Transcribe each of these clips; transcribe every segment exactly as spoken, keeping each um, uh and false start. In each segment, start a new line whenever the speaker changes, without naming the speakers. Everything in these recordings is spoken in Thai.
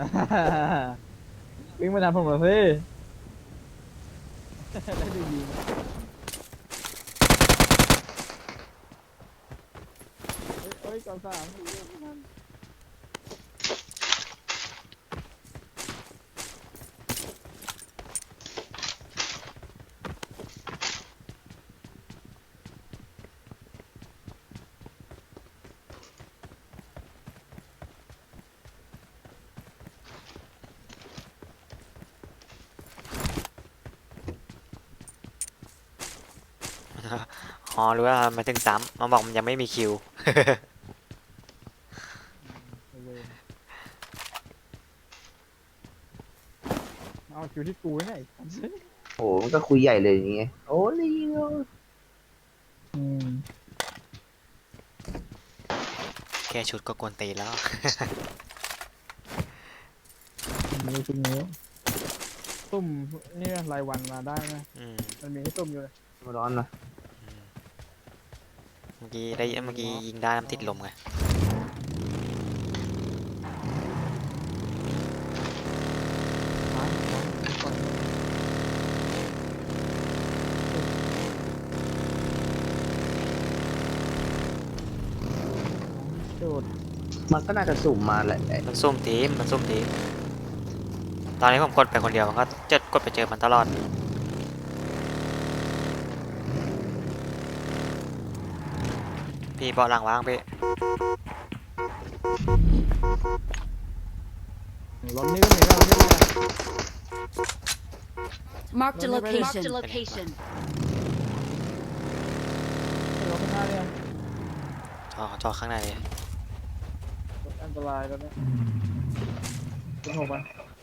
วิ่งมาทำผมเลยสิได้ดูยิงเฮ้ยก่อนสาม
อ๋อรู้ว่ามาถึงซ้ำมาบอกมันยังไม่มีคิว
เอาคิวที่กูไง
โอ้มันก็คุยใหญ่เลยอย่างเงี้ยโอ้ลิง
อืม
แค่ชุดก็กวนตีนแล้ว
มีชุดนี้ตุ่มนี่รายวันมาได้ไหม
อืม
มันมีให้ตุ่มอยู่เลย
มาร้อนนะ
อืมเมื่อกี้ได้เมื่อกี้ยิงได้น้ำติดลมไง
ร้านร้านก่อนโดด
มันก็น่าจะสุ่มมาแหละไอ้
มันซุ่มทีมมันซุ่มทีมตอนนี้ผมกดไปคนเดียวมันก็จะกดไปเจอมันตลอดพี่เบาะหลังว่างพี่
รถนี้ก็มีแล้วรถนี้
Marked a
Don't worry.
location. Marked a location.
รถข้างหน้าเนี่ย
จอจอข้างในเลย
รถอันตรายแล้วเนี่ยเป็นหกมัน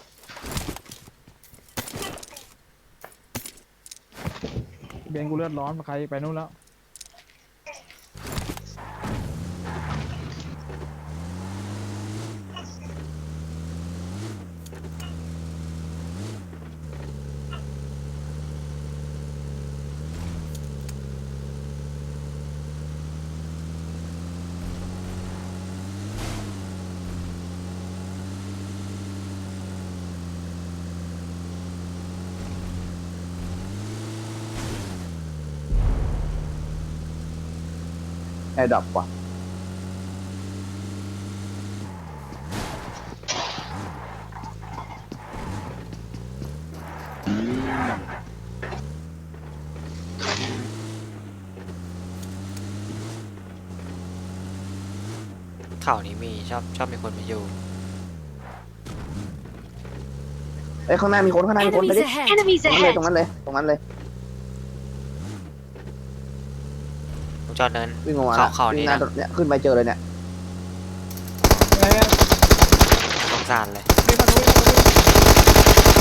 เบนกูเลือดร้อนมาใครไปนู่นแล้ว
แอร์ดรอปว่ะ
เขานี้มีชอบชอบมีคนมาอยู่
เอ้ยข้างหน้ามีคนข้างหน้ามีคนไป
Enemies
ดิ
ahead.
ตรงนั้นเลยตรงนั้นเลยตรงนั้นเลย
ผมจอดเนิน
วิ่งออกมา
เขา
ละ
เขา
วิ่
นี้
งหน้า
นะ
เนี่ยขึ้นไปเจอเลยเนี่ย
ไงอะ
สงสารเลย
มีฝั่งนู้นมีฝั่งนู้น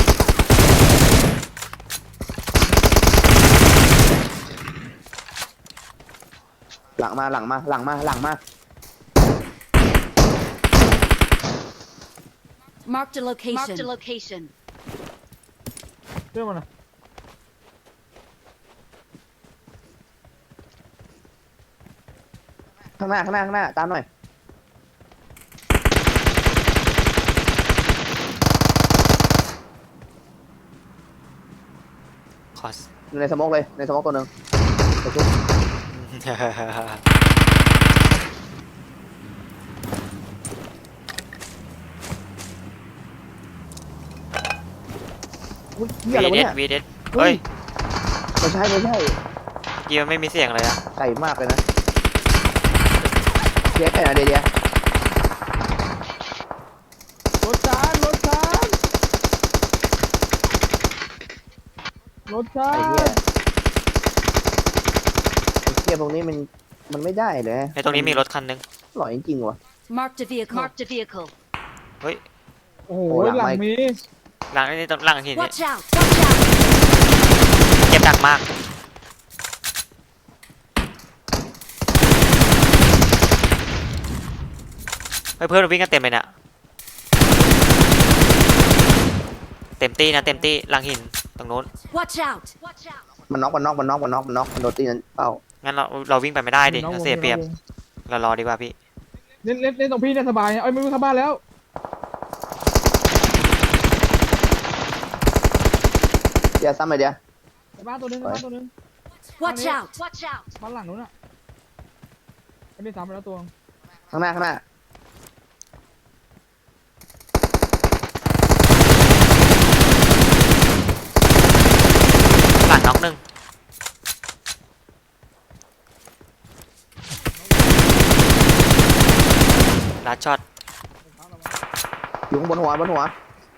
หลังมาหลังมาหลังมาหลังมา
Marked a location. Marked a location.
เรื่องมันอะ
ข้างหน้าข้างหน้าข้างหน้าตามหน่อย
ขอ
อยู่ในสโมกเลยในสโมกตัวหนึ่งไปชุบอุ้ยเหี้ยอะไร
วี
วะ
เด
เนี่ย
วีเดเฮ้ย
ไม่ใช่ไม่ใช่
เมื่อกี้มันไม่มีเสียงเลยอะ
ไก่มากเลยนะเจ๊ไก่นะเดียเดีย
รถจานรถจานรถจา
ไอ้เหี้ย
น
ไอ้เหี้ยพวกนี้มันมันไม่ได้เลย
ในตรงนี้มีรถคันนึง
หล่อยจริงๆว่ะ
Marked a vehicle. Marked a vehicle.
เฮ้ย
โอ้โห
โอ้หลัง
หลัง
ไม่
มี
หลังนี่ตรงหลังหินนี่
Watch out. Watch out.
เจ็บหนักมากเฮ้ยเพื่อนเราวิ่งกันเต็มเลยน่ะเต็มตี้นะเต็มตี้หลังหินตรงนู้น
Watch out. Watch out.
มันน็อกมันน็อกมันน็อกมันน็อกมันน็อกมันโดนตีนั้นเป้า
งั้นเราเราวิ่งไปไม่ได้ดิ
น้อง
เรา
วง
เสียเปรียบ
น้องวง
เรารอดีกว่าพี่
เล่นเล่นเล่นตรงพี่เนี่ยสบายเอ้ยไม่ไม่เข้าบ้านแล้ว
เดี๋ยวซ้ำไปเดี๋ยว
ในบ้านตัวนึงในบ้านตัวนึง
Watch out! Watch out!
บ้านหลังนู้นอ่ะไอ้นี่ซ้ำไปแล้วตัว
ข้างหน้าข้างหน้า
หลังน็อกหนึ่งลัดช็อต
อยู่ข้างบนหัวบนหัว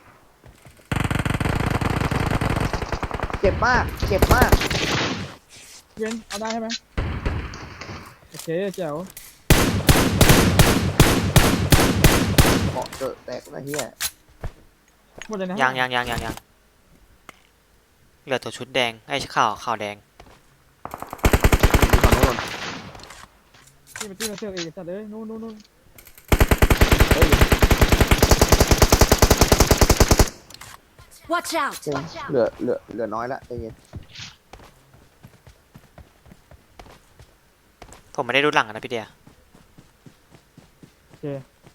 เจ็บมากเจ็บมาก
เว้นเอาได้ใช่ไหมโอเคแจ๋ว
เกาะเจอแตกนะเฮีย
หมดเลยนะ
ยังยังยังยังยังเหลือตัวชุดแดงไอ้ขาวขาวแดง
ฝั่งโน้น
ที่เป็นที่มาเชือกเองจัดเลยนู่นนู่นนู่น
เฮ้ย
Watch out!
เจ๋ง
Watch out!
เหลือเหลือเหลือน้อยละใจเย็น
ผมไม่ได้ดูหลังอะนะพี่เดีย
โอเค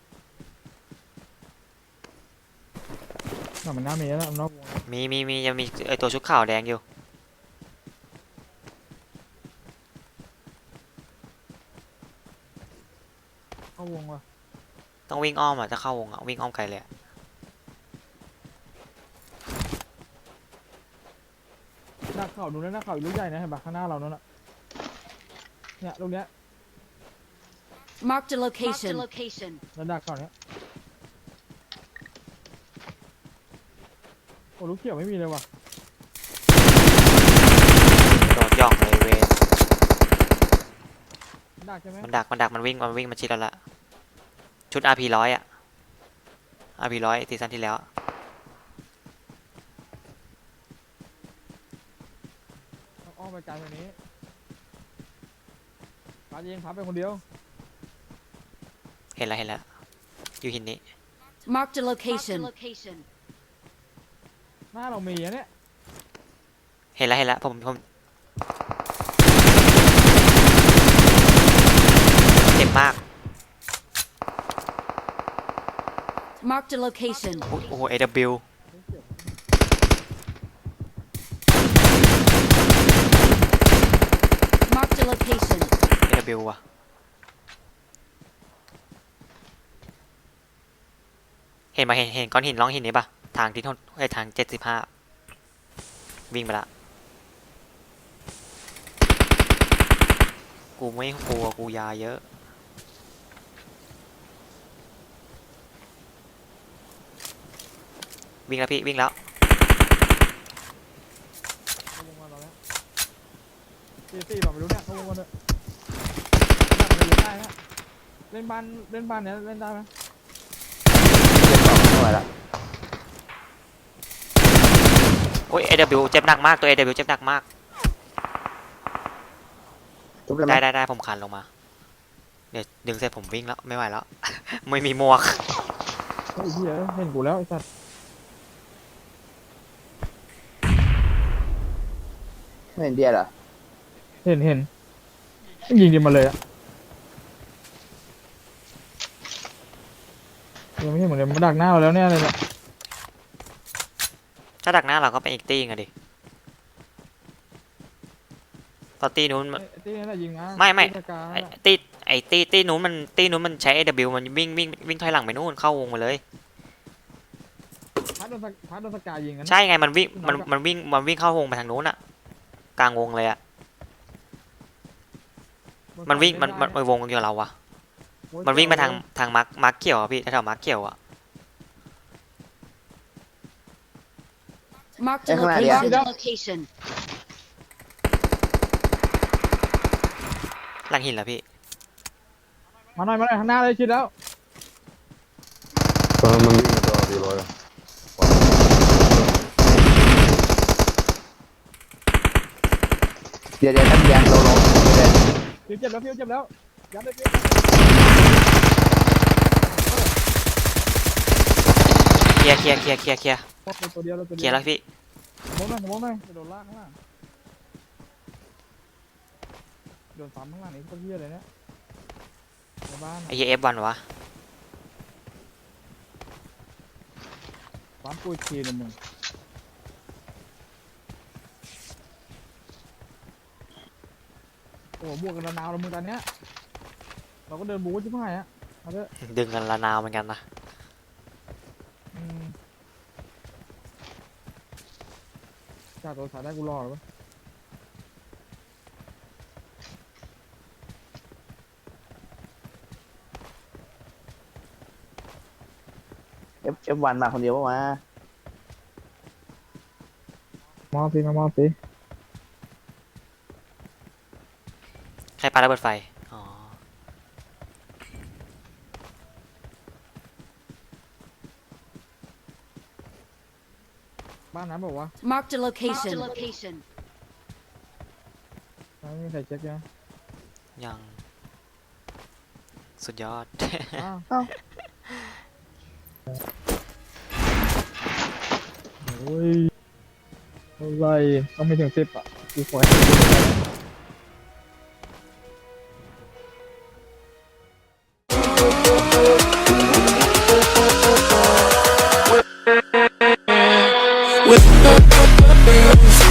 น่ามันน่ามีแล้วนอกวง
มีมีมียังมีไอตัวชุดขาวแดงอยู่
เข้าวงว่ะ
ต้องวิ่งอ้อมอ่ะจะเข้าวงอ่ะวิ่งอ้อมไกลเลยอะ
หน้าเข่าดูนะหน้าเข่าอีกลูกใหญ่นะเห็นปะข้างหน้าเรานั่นแหละเนี่ยลูกเนี้ย
Marked a location. Marked a location.
ระดับเข่าเนี้ยโอ้ลูกเขียวไม่มีเลยว่ะ
โดดย่องเลยเวน
ดักใช่ไหม
มันดักมันดักมันวิ่งมันวิ่งมาชิดแล้วละชุด อาร์ พี ร้อยอ่ะ อาร์ พี ร้อยซีซั่นที่แล้ว
ต้องอ้อมไปไกลกว่านี้ปาเองพับไปคนเดียว
เห็นแล้วเห็นแล้วอยู่หินนี้
Marked a location. Marked a location.
หน้าเรามีอะเนี่ย
เห็นแล้วเห็นแล้วผมผมเจ็บมาก
Marked a location.
โอ้โห เอ ดับเบิลยู
Marked a location.
เอ ดับเบิลยู ว่ะเห็นมาเห็นเห็นก้อนหินร่องหินนี้ปะทางที่ทนไอยทางเจ็ดสิบห้าวิ่งไปละกูไม่กลัวกูยาเยอะวิ่งแล้วพี่วิ่งแล้ว
เข้าวงมาเราแล้วตีตีเราไม่รู้เนี่ยเข้าวงมาเลยดักมันอยู่ได้นะเล่นบ้านเล่นบ้านเนี้ยเล่นได้ไหม
เจ็บต่อไม่ไหวละ
โอ้ย เอ ดับเบิลยู เจ็บหนักมากตัว เอ ดับเบิลยู เจ็บหนักมาก
ทุบเลยไหม
ได้ได้ได้ผมคานลงมาเดี๋ยวดึงเสร็จผมวิ่งแล้วไม่ไหวแล้ว ไม่มีหมวก
เฮ้ยเหี้ยเห็นกูแล้วไอ้สัตว์
ไม่เห็นเดียเหรอ
เห็นเห็นยิงดิมาเลยอะยังไม่เห็นเหมือนเดิมมาดักหน้าเราแล้วเนี่ยเลยเนี่ย
ถ้าดักหน้าเราก็เป็นอีกตีไงดิตอนตีนู้นมัน
ไอ้ตีนี่แหละยิงมา
ไม่ไม่
ตีสกา
ไอ้
น่ะ
ตีไอ้ตีตีนู้นมันตีนู้นมันใช้ เอ ดับเบิลยู มันวิ่งวิ่งวิ่งถอยหลังไปนู่นเข้าวงมาเลย
พัดโดนสกพัดโดนสกายิงกันนะ
ใช่ไงมันวิ่งมันมันวิ่งมันวิ่งเข้าวงไปทางนู้นอะกลางวงเลยอะมันวิ่งมันมันมันวงอยู่กับเราวะมันวิ่งไปทางทางมาร์คมาร์คเขียวอะพี่แถวๆมาร์คเขียวอะ
Marked a
Eh,
location.
Maria.
Marked a location.
หลังหินแล้วพี่
มาหน่อยมาหน่อยข้างหน้าเลยชิดแล้ว
ตอนนั้นมันวิ่งมาตัวสี่ร้อยอะ
เดี๋ยวเดี๋ยวท่านเดียเราลงเดี๋ยว
ฟิวเจ็บแล้วฟิวเจ็บแล้วยัดเลยฟิว
เคลียร์เคลียร์เคลียร์เคลียร์เคลียร์
ตัวเดียวเราตัว
เค
เดี
ลีย
ยว
ร์แล้วพี่
มองหน่อยมองหน่อยจะโดนลากข้างล่างโดนซ้ำข้างล่างนี่ก็เหี้ยเลยเนี่ยในบ้าน
ไอ้เหี้ยเอฟวันวะ
บ้านปุ้ยทีนึงมึงโอ้โหบวกกันระนาวแล้วมึงตอนเนี้ยเราก็เดินบู๊ชิบหายอะเอาเถอะ
ดึงกันละนาวเหมือนกันนะ
อืมจ่าตัวสายได้กูรอหรือเปล่า
เอฟเอฟวันมาคนเดียวปะวะ
มอบสิมามอบสิ
ใครปาระเบิดไฟ อ๋อ
บ้านนั้นบอกว่า
Marked a location. Marked a location.
ไม่มีใครเช็คนะ
ยัง สุดยอด
อ้าว
เอ้า
โอ้ยอะไรต้องไม่ถึงสิบอ่ะกูขอให้ถึงสิบ
with